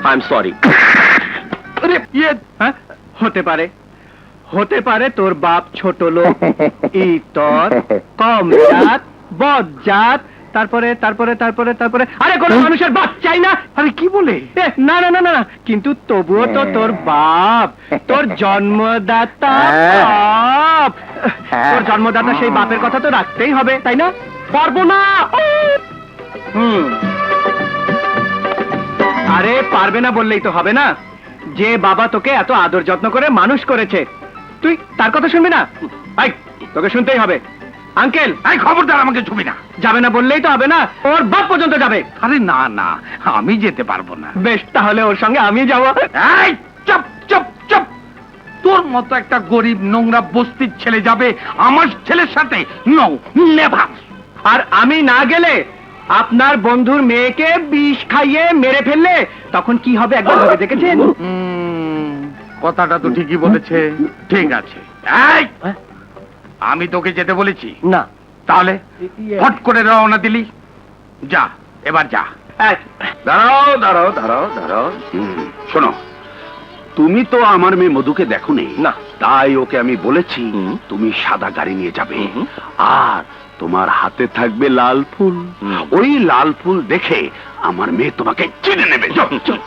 I am sorry. হতে পারে তোর বাপ ছোট লোক, ইতর, কম জাত, বজ্জাত, তারপরে তারপরে তারপরে তারপরে আরে কোন মানুষের বাপ চাই না। আরে কি বলে? না না না না, কিন্তু তবুও তো তোর বাপ, তোর জন্মদাতা বাপ, তোর জন্মদাতা সেই বাপের কথা তো রাখতেই হবে, তাই না? পারবো না। আরে পারবে না বললেই তো হবে না। যে বাবা তোকে এত আদর যত্ন করে মানুষ করেছে, তুই তার কথা শুনবি না? আই, তোকে শুনতেই হবে। আঙ্কেল, এই খবরদার আমাকে ছবি না। যাবে না বললেই তো হবে না, ওর বাপ পর্যন্ত যাবে। আরে না না, আমি যেতে পারবো না। বেশ, তাহলে ওর সঙ্গে আমি যাবো। এই চুপ চুপ চুপ, তোর মতো একটা গরিব নোংরা বস্তির ছেলে যাবে আমার ছেলের সাথে? No, never. আর আমি না গেলে আপনার বন্ধুর মেয়েকে বিষ খাইয়ে মেরে ফেললে তখন কি হবে একবার ভেবে দেখেছেন? কথাটা তো ঠিকই বলেছে। ঠিক আছে, এই আমি তোকে যেতে বলেছি না, তাহলে হট করে রওনা দিলি? যা, এবার যা। দাঁড়াও দাঁড়াও দাঁড়াও দাঁড়াও, শোনো, তুমি তো আমার মেয়ে মধুকে দেখো না। তাই ওকে আমি বলেছি তুমি সাদা গাড়ি নিয়ে যাবে, আর তোমার হাতে থাকবে লাল ফুল। ওই লাল ফুল দেখে আমার মেয়ে তোমাকে চিনে নেবে।